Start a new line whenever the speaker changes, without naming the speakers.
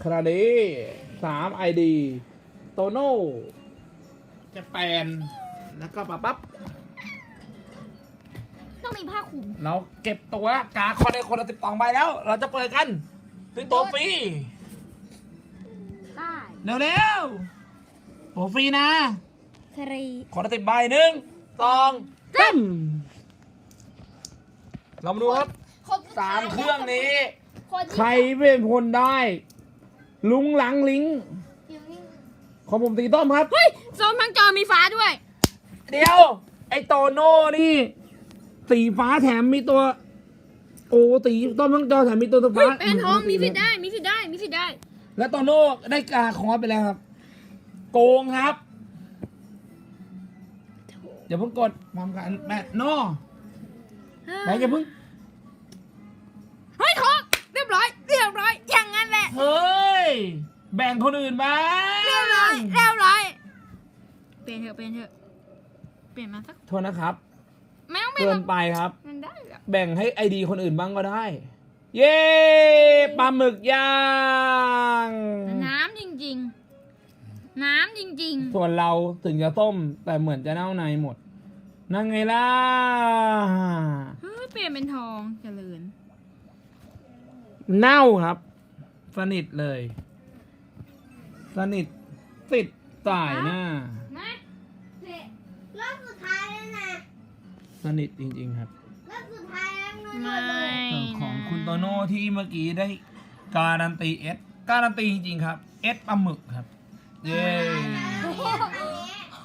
คราเด3 ID โตโน่จะแปนแล้วก็ปั๊บ
ต้องมีผ้าคลุม
เราเก็บตัวกาคอนในคนละ12 ใบแล้ว เราจะเปิดกันซื้อตัวฟรี
ได้
เร็วๆตัวฟรีนะ
ครี
คนละ10 ใบ1 2 3เรามาดูครับ 3 เครื่องนี้ ใครเป็นคนได้ ลุงหลังลิงของผมสีต้มครับ
เฮ้ยส้มทั้งจอมีฟ้าด้วย
เดี๋ยว ไอโตโน่นี่ สีฟ้าแถมมีตัว โอ้สีต้มทั้งจอแถมมีตัว
เฮ้
ฟ้าย
เป็นทองมีสิทธิ์ได้มีสิทธิ์ได้มีสิทธิ์ได้
แล้วโตโน่ได้กาคอสไปแล้วครับ โกงครับอย่าเพิ่งกดพร้อมกันแม่โน่แม่อย่าเพิ่ง
เฮ้ยทองเรียบร้อยอย่างนั้นแหละ
เฮ้ย แบ่งคนอื่นบ้าง
เรียบร้อยเปลี่ยนเถอะเปลี่ยนมาสัก
โทษนะครับ
ไม่ต้องเปลี่ย
เกิ
น
นไปครับ
มันได้แบบ
แบ่งให้ไอดีคนอื่นบ้างก็ได้ เย้ปลาหมึกย่าง
น้ำจริง
ส่วนเราถึงจะต้มแต่เหมือนจะเน่าในหมด นั่นไงล่ะ
เฮ้ยเปลี่ยนเป็นทองเจริญ
เน่าครับ สนิทเลย สนิทติดสายหน้า
นะเสร็จ
รอบสุดท้ายแล้วนะ
สนิทจริงๆครับ
รอบสุดท้ายแล้วนะ
ไม่
ส่วนของคุณโตโน่ที่เมื่อกี้ได้การันตีเอสการันตีจริงๆครับเอสปลาหมึกครับ เย้